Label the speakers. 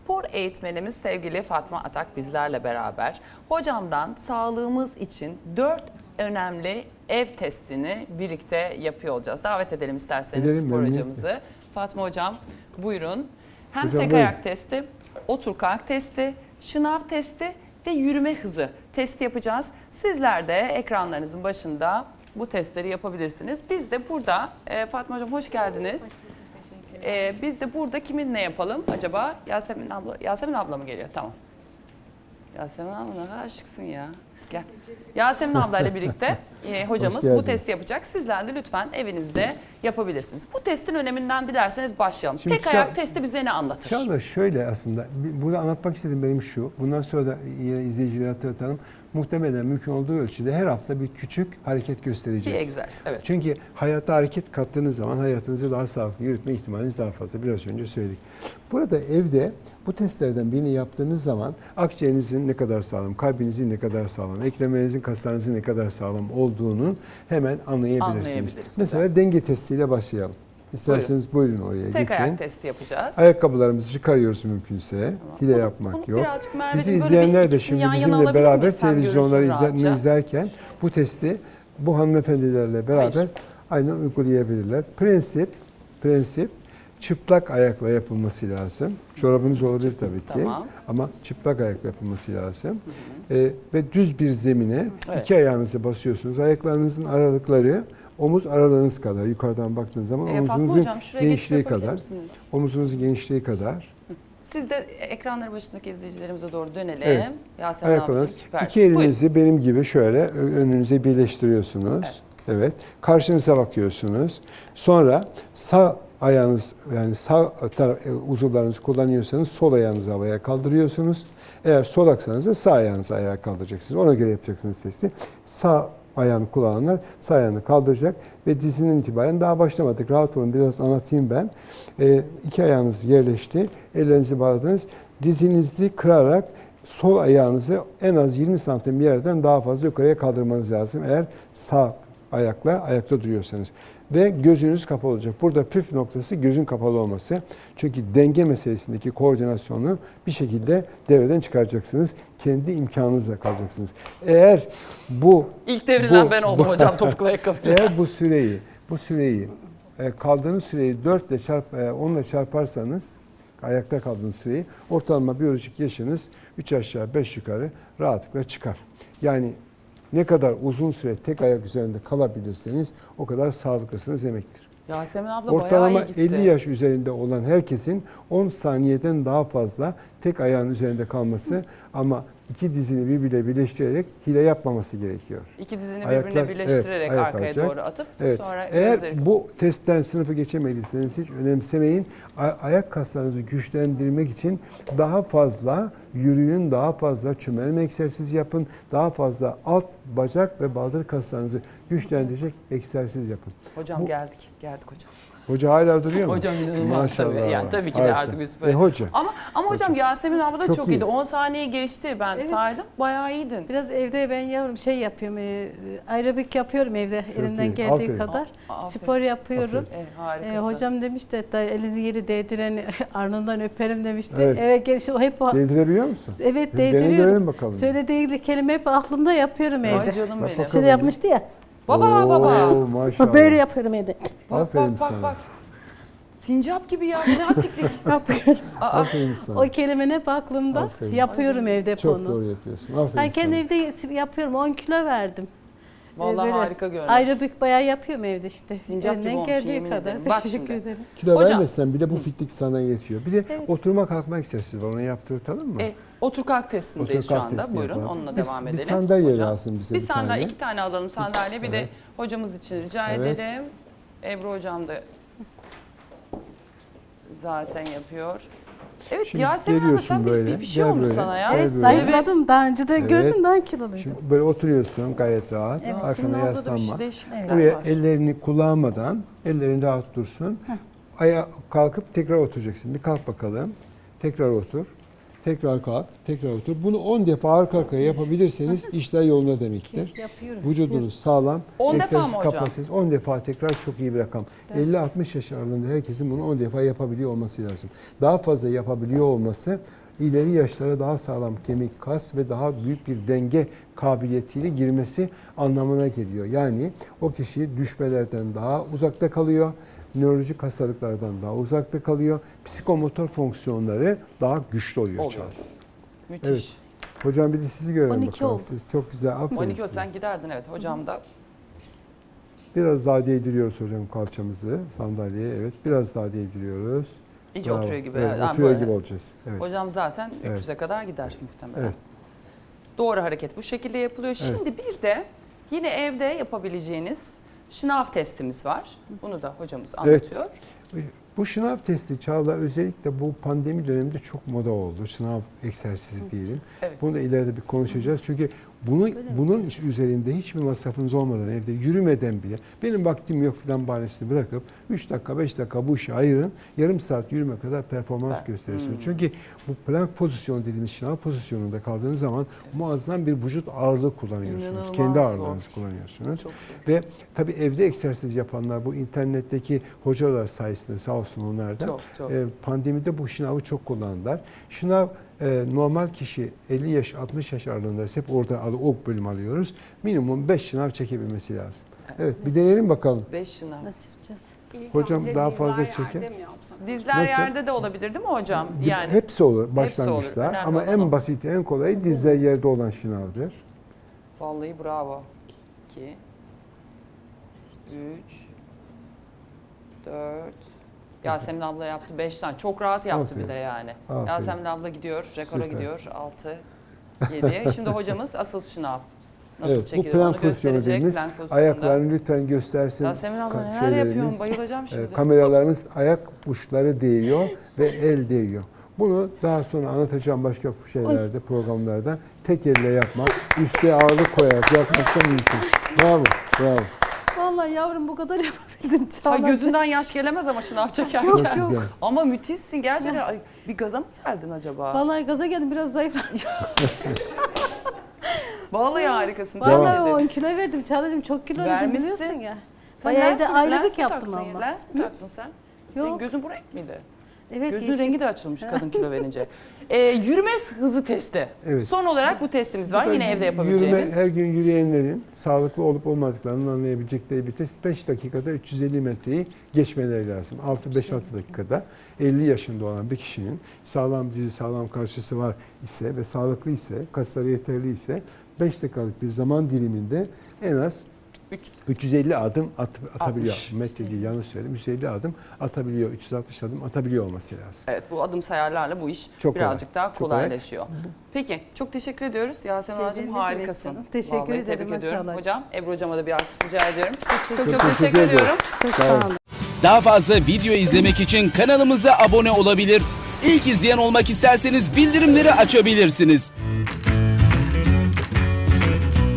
Speaker 1: Spor eğitmenimiz sevgili Fatma Atak bizlerle beraber. Hocamdan sağlığımız için 4 önemli ev testini birlikte yapıyor olacağız. Davet edelim isterseniz spor hocamızı. Fatma hocam buyurun. Hem
Speaker 2: Hocam,
Speaker 1: tek
Speaker 2: buyurun.
Speaker 1: ayak testi, otur kalk testi, şınav testi ve yürüme hızı testi yapacağız. Sizler de ekranlarınızın başında bu testleri yapabilirsiniz. Biz de burada, Fatma hocam hoş geldiniz. Biz de burada kiminle yapalım acaba? Yasemin abla mı geliyor? Tamam. Yasemin abla ne kadar şıksın ya. Gel. Yasemin ablayla birlikte hocamız bu testi yapacak. Sizler de lütfen evinizde yapabilirsiniz. Bu testin öneminden dilerseniz başlayalım.
Speaker 2: Şimdi
Speaker 1: Tek ayak testi bize ne anlatır?
Speaker 2: Çağla şöyle aslında, burada anlatmak istediğim benim şu. Bundan sonra da yine izleyicileri hatırlatalım. Muhtemelen mümkün olduğu ölçüde her hafta bir küçük hareket göstereceğiz.
Speaker 1: Bir egzersiz, evet.
Speaker 2: Çünkü hayata hareket kattığınız zaman hayatınızı daha sağlıklı yürütme ihtimaliniz daha fazla. Biraz önce söyledik. Burada evde bu testlerden birini yaptığınız zaman akciğerinizin ne kadar sağlam, kalbinizin ne kadar sağlam, eklemlerinizin, kaslarınızın ne kadar sağlam olduğunu hemen anlayabilirsiniz. Mesela denge testiyle başlayalım. İsterseniz buyurun oraya geçin.
Speaker 1: Tek ayak testi yapacağız.
Speaker 2: Ayakkabılarımızı çıkarıyoruz mümkünse.
Speaker 1: Tamam.
Speaker 2: Hile yapmak yok. Bizi
Speaker 1: Merveciğim,
Speaker 2: izleyenler de şimdi bizimle beraber televizyonları
Speaker 1: rahatça
Speaker 2: izlerken bu testi bu hanımefendilerle beraber aynen uygulayabilirler. Prensip çıplak ayakla yapılması lazım. Çorabınız olabilir tabii ki.
Speaker 1: Tamam.
Speaker 2: Ama çıplak ayakla yapılması lazım. Ve düz bir zemine
Speaker 1: Evet.
Speaker 2: iki ayağınızı basıyorsunuz. Ayaklarınızın aralıkları omuz aralığınız kadar. Yukarıdan baktığınız zaman omuzunuzun genişliği kadar. Omuzunuzun genişliği kadar.
Speaker 1: Siz de ekranları başındaki izleyicilerimize doğru dönelim.
Speaker 2: Evet.
Speaker 1: Yasemin ablacığım süpersin.
Speaker 2: İki elinizi benim gibi şöyle önünüze birleştiriyorsunuz. Evet. Karşınıza bakıyorsunuz. Sonra sağ ayağınız, yani sağ uzuvlarınızı kullanıyorsanız sol ayağınızı havaya kaldırıyorsunuz. Eğer sol aksanız da sağ ayağınızı ayağa kaldıracaksınız. Ona göre yapacaksınız testi. Sağ ayağını kullananlar sağ ayağını kaldıracak ve dizinin itibaren daha başlamadık. Rahat olun, biraz anlatayım ben. İki ayağınız yerleşti. Ellerinizi bağladınız. Dizinizi kırarak sol ayağınızı en az 20 santim bir yerden daha fazla yukarıya kaldırmanız lazım. Eğer sağ ayakla ayakta duruyorsanız. Ve gözünüz kapalı olacak. Burada püf noktası gözün kapalı olması. Çünkü denge meselesindeki koordinasyonu bir şekilde devreden çıkaracaksınız. Kendi imkanınızla kalacaksınız. Eğer bu...
Speaker 1: İlk devrilen ben oldum hocam topuklu ayakkabıyla.
Speaker 2: Eğer bu süreyi kaldığınız süreyi 4 ile 10 ile çarparsanız ayakta kaldığınız süreyi ortalama biyolojik yaşınız 3 aşağı 5 yukarı rahatlıkla çıkar. Yani ne kadar uzun süre tek ayak üzerinde kalabilirseniz o kadar sağlıklısınız demektir.
Speaker 1: Yasemin abla
Speaker 2: Ortalama
Speaker 1: bayağı iyi gitti.
Speaker 2: 50 yaş üzerinde olan herkesin 10 saniyeden daha fazla tek ayağın üzerinde kalması ama iki dizini birbirine birleştirerek hile yapmaması gerekiyor.
Speaker 1: İki dizini birbirine birleştirerek arkaya doğru atıp sonra
Speaker 2: eğer
Speaker 1: gözleri...
Speaker 2: bu testten sınıfı geçemediyseniz hiç önemsemeyin. Ayak kaslarınızı güçlendirmek için daha fazla yürüyün, daha fazla çömelme egzersizi yapın, daha fazla alt bacak ve baldır kaslarınızı güçlendirecek egzersiz yapın.
Speaker 1: Hocam geldik hocam.
Speaker 2: Hoca hala duruyor mu?
Speaker 1: Hocam inanılmaz tabii. Yani tabii ki de
Speaker 2: Harika.
Speaker 1: artık biz böyle.
Speaker 2: Hoca.
Speaker 1: Ama hocam Yasemin abla da çok
Speaker 2: iyi.
Speaker 1: iyiydi. 10 saniye geçti ben saydım. Bayağı iyiydin.
Speaker 3: Biraz evde ben yavrum yapıyorum, aerobik yapıyorum evde
Speaker 2: Çok
Speaker 3: elimden
Speaker 2: iyi.
Speaker 3: geldiği
Speaker 2: Aferin.
Speaker 3: kadar.
Speaker 1: Aferin.
Speaker 3: Spor yapıyorum.
Speaker 1: Harikasın.
Speaker 3: Hocam demişti hatta elinizi yeri değdiren alnından öperim demişti.
Speaker 2: Evet.
Speaker 3: Evet hep
Speaker 2: Değdirebiliyor musun?
Speaker 3: Evet
Speaker 2: Dene
Speaker 3: değdiriyorum.
Speaker 2: görelim bakalım.
Speaker 3: Söylediği kelime hep aklımda yapıyorum
Speaker 1: Ay
Speaker 3: evde.
Speaker 1: canım benim.
Speaker 2: bakalım.
Speaker 3: Şöyle yapmıştı ya.
Speaker 1: Baba.
Speaker 2: Oo, maşallah.
Speaker 3: Böyle yapıyorum evde.
Speaker 2: Aferin sana.
Speaker 1: Bak. Sincap gibi ya. Ne atiklik.
Speaker 3: Yapıyorum.
Speaker 2: Aferin sana.
Speaker 3: O kelimenin hep aklımda.
Speaker 2: Aferin.
Speaker 3: Yapıyorum evde hep
Speaker 2: Çok
Speaker 3: onu.
Speaker 2: doğru yapıyorsun. Aferin
Speaker 3: Ben kendi
Speaker 2: sana.
Speaker 3: evde yapıyorum. 10 kilo verdim.
Speaker 1: Vallahi
Speaker 3: Böyle
Speaker 1: harika görünüyor.
Speaker 3: Aerobik bayağı yapıyorum evde işte.
Speaker 1: Sincap gibi
Speaker 3: Elimden
Speaker 1: olmuş,
Speaker 3: geldiği
Speaker 1: yemin
Speaker 3: kadar.
Speaker 1: ederim. Bak
Speaker 3: Teşekkür
Speaker 1: şimdi.
Speaker 3: ederim.
Speaker 2: Kilo
Speaker 1: Hocam.
Speaker 2: vermesen bile bu fitlik sana yetiyor. Bir de oturma kalkma egzersizi var. Onu yaptırtalım mı?
Speaker 1: Otur kalk testindeyiz
Speaker 2: Otur
Speaker 1: şu
Speaker 2: kalk
Speaker 1: anda.
Speaker 2: testi
Speaker 1: Buyurun
Speaker 2: yapalım.
Speaker 1: onunla devam edelim.
Speaker 2: Bir sandalye
Speaker 1: Hocam.
Speaker 2: lazım bize
Speaker 1: Bir
Speaker 2: bir
Speaker 1: sandalye,
Speaker 2: tane.
Speaker 1: 2 tane alalım sandalye. Bir de hocamız için rica
Speaker 2: Evet.
Speaker 1: edelim. Ebru hocam da zaten yapıyor. Evet
Speaker 2: Şimdi
Speaker 1: Yasemin abla
Speaker 2: geliyorsun
Speaker 1: sen
Speaker 2: böyle,
Speaker 1: bir şey
Speaker 2: gel
Speaker 1: olmuş
Speaker 2: böyle.
Speaker 1: sana ya.
Speaker 2: Evet,
Speaker 3: Evet
Speaker 2: böyle.
Speaker 3: zayıfladım. Daha önce de
Speaker 2: Evet.
Speaker 3: gördüm daha kiloluydum.
Speaker 2: Şimdi böyle oturuyorsun gayet rahat.
Speaker 3: Evet,
Speaker 2: Arkana
Speaker 1: Senin orada da bir
Speaker 2: yaslanma.
Speaker 1: şey değişiklikler
Speaker 2: Buraya
Speaker 1: var.
Speaker 2: ellerini kullanmadan, ellerin rahat dursun. Ayağa kalkıp tekrar oturacaksın. Bir kalk bakalım. Tekrar otur. tekrar kalk, tekrar otur. Bunu 10 defa arka arkaya yapabilirseniz işler yolunda demektir.
Speaker 3: Yapıyorum.
Speaker 2: Vücudunuz sağlam.
Speaker 1: 10 defa
Speaker 2: egzersiz
Speaker 1: mı hocam?
Speaker 2: kapasitesi 10 defa tekrar çok iyi bir rakam. 50-60 yaş aralığında herkesin bunu 10 defa yapabiliyor olması lazım. Daha fazla yapabiliyor olması ileri yaşlara daha sağlam kemik, kas ve daha büyük bir denge kabiliyetiyle girmesi anlamına geliyor. Yani o kişi düşmelerden daha uzakta kalıyor. Nörolojik hastalıklardan daha uzakta kalıyor. Psikomotor fonksiyonları daha güçlü oluyor.
Speaker 1: Oluyor.
Speaker 2: Çağrı.
Speaker 1: Müthiş.
Speaker 2: Evet. Hocam bir de sizi görelim
Speaker 3: 12
Speaker 2: bakalım.
Speaker 3: oldu.
Speaker 2: Siz çok güzel. Aferin
Speaker 1: 12
Speaker 2: size.
Speaker 1: sen giderdin evet. Hocam da
Speaker 2: Biraz daha değdiriyoruz hocam kalçamızı sandalyeye. Evet. Biraz daha değdiriyoruz.
Speaker 1: iyice
Speaker 2: Bravo.
Speaker 1: oturuyor gibi.
Speaker 2: Evet,
Speaker 1: Yani
Speaker 2: oturuyor
Speaker 1: böyle.
Speaker 2: gibi olacağız. Evet.
Speaker 1: Hocam zaten
Speaker 2: Evet.
Speaker 1: 300'e kadar gider muhtemelen.
Speaker 2: Evet.
Speaker 1: Doğru hareket bu şekilde yapılıyor. Şimdi bir de yine evde yapabileceğiniz şınav testimiz var. Bunu da hocamız
Speaker 2: Evet.
Speaker 1: anlatıyor.
Speaker 2: Bu şınav testi Çağla özellikle bu pandemi döneminde çok moda oldu. Şınav egzersizi diyelim.
Speaker 1: Evet.
Speaker 2: Bunu da ileride bir konuşacağız. Çünkü bunun üzerinde hiçbir masrafınız olmadan evde yürümeden bile benim vaktim yok falan bahanesini bırakıp 3 dakika 5 dakika bu işe ayırın. Yarım saat yürüme kadar performans
Speaker 1: Evet.
Speaker 2: gösterirsiniz. Çünkü bu plank pozisyonu dediğimiz şınav pozisyonunda kaldığınız zaman muazzam bir vücut ağırlığı kullanıyorsunuz.
Speaker 1: İnanılmaz
Speaker 2: Kendi ağırlığınızı
Speaker 1: zor.
Speaker 2: kullanıyorsunuz.
Speaker 1: Çok zor.
Speaker 2: Ve tabii evde egzersiz yapanlar bu internetteki hocalar sayesinde sağ olsun onlar da
Speaker 1: Çok.
Speaker 2: pandemide bu şınavı çok kullandılar. Şınav normal kişi 50 yaş 60 yaş aralığında hep orada o bölüm alıyoruz. Minimum 5 şınav çekebilmesi lazım. Evet bir deneyelim bakalım.
Speaker 1: 5 şınav.
Speaker 3: Nasıl yapacağız?
Speaker 4: İlk
Speaker 2: Hocam
Speaker 4: önce
Speaker 2: daha
Speaker 4: dizler
Speaker 2: fazla
Speaker 4: yerde
Speaker 2: çekin.
Speaker 4: mi yapsak?
Speaker 1: Dizler
Speaker 2: Nasıl?
Speaker 1: yerde de olabilir değil mi hocam? Yani
Speaker 2: Hepsi olur
Speaker 1: Hepsi
Speaker 2: başlangıçta
Speaker 1: olur. Önemli
Speaker 2: ama
Speaker 1: olan o.
Speaker 2: en basit en kolayı dizler yerde olan şınavdır.
Speaker 1: vallahi bravo. 2 3 4 Yasemin abla yaptı 5 tane. Çok rahat yaptı
Speaker 2: Aferin.
Speaker 1: bir de yani.
Speaker 2: Aferin.
Speaker 1: Yasemin abla gidiyor, rekora
Speaker 2: Süper.
Speaker 1: gidiyor. 6 7. Şimdi hocamız asıl şınav. Nasıl
Speaker 2: Evet, bu
Speaker 1: çekilir
Speaker 2: plank
Speaker 1: onu
Speaker 2: pozisyonu
Speaker 1: gösterecek.
Speaker 2: dediğimiz
Speaker 1: Plank pozisyonunda.
Speaker 2: ayaklarını lütfen göstersin.
Speaker 1: Yasemin abla neler
Speaker 2: şeylerimiz.
Speaker 1: yapıyorsun? Bayılacağım şimdi.
Speaker 2: Kameralarımız ayak uçları değiyor ve el değiyor. Bunu daha sonra anlatacağım başka şeylerde, programlarda. Tek elle yapmak, üste ağırlık koyarak yapmak da mümkün. Bravo, bravo.
Speaker 3: Vallahi yavrum bu kadar yapabildim.
Speaker 1: Ha,
Speaker 3: Çağla.
Speaker 1: gözünden yaş gelemez ama şınav çekerken.
Speaker 2: Çok güzel.
Speaker 1: Ama müthişsin gerçekten. Ay, bir gaza mı geldin acaba?
Speaker 3: Vallahi gaza geldim biraz zayıfladım.
Speaker 1: Vallahi harikasın.
Speaker 2: Devam.
Speaker 3: Vallahi
Speaker 1: Tebrik
Speaker 3: 10
Speaker 1: ederim.
Speaker 3: kilo verdim. Çağla'cığım çok kilo verdim
Speaker 1: Vermişsin.
Speaker 3: biliyorsun ya.
Speaker 1: Sen
Speaker 3: Bayağı
Speaker 1: lens
Speaker 3: evde
Speaker 1: mi-
Speaker 3: aylık
Speaker 1: lens mi
Speaker 3: yaptım
Speaker 1: taktın ya?
Speaker 3: ama.
Speaker 1: Lens mi taktın sen? Senin
Speaker 3: Yok.
Speaker 1: gözün bu renk miydi?
Speaker 3: Evet.
Speaker 1: Gözün
Speaker 3: yeşil.
Speaker 1: rengi de açılmış kadın kilo verince. Yürüme hızı testi.
Speaker 2: Evet.
Speaker 1: Son olarak bu testimiz var.
Speaker 2: Bu da
Speaker 1: Yine evde
Speaker 2: Yürüme,
Speaker 1: yapabileceğimiz.
Speaker 2: her gün yürüyenlerin sağlıklı olup olmadıklarını anlayabilecekleri bir test. 5 dakikada 350 metreyi geçmeleri lazım. 5-6 dakikada 50 yaşında olan bir kişinin sağlam dizi, sağlam karşısı var ise ve sağlıklı ise, kasları yeterli ise 5 dakikalık bir zaman diliminde en az 350 adım atabiliyor.
Speaker 1: 60.
Speaker 2: Metre değil, yanlış söyledim. 350 adım atabiliyor, 360 adım atabiliyor olması lazım.
Speaker 1: Evet, bu adım sayarlarla bu iş
Speaker 2: Çok
Speaker 1: birazcık
Speaker 2: kolay,
Speaker 1: daha
Speaker 2: çok kolay.
Speaker 1: kolaylaşıyor. Peki, çok teşekkür ediyoruz. Yasemin
Speaker 3: Şey
Speaker 1: Hocam
Speaker 3: değil,
Speaker 1: harikasın.
Speaker 3: Dilek Hanım. Teşekkür
Speaker 1: Vallahi
Speaker 3: ederim
Speaker 1: tebrik ediyorum.
Speaker 3: Çağla.
Speaker 1: Hocam, Ebru Hocam'a da bir alkış rica ediyorum. Çok
Speaker 2: Çok
Speaker 1: teşekkür
Speaker 2: teşekkür ediyorum.
Speaker 1: ediyorum.
Speaker 3: Çok
Speaker 2: Sağ
Speaker 3: sağ
Speaker 2: olun.
Speaker 3: olun.
Speaker 5: Daha fazla video izlemek için kanalımıza abone olabilir. İlk izleyen olmak isterseniz bildirimleri açabilirsiniz.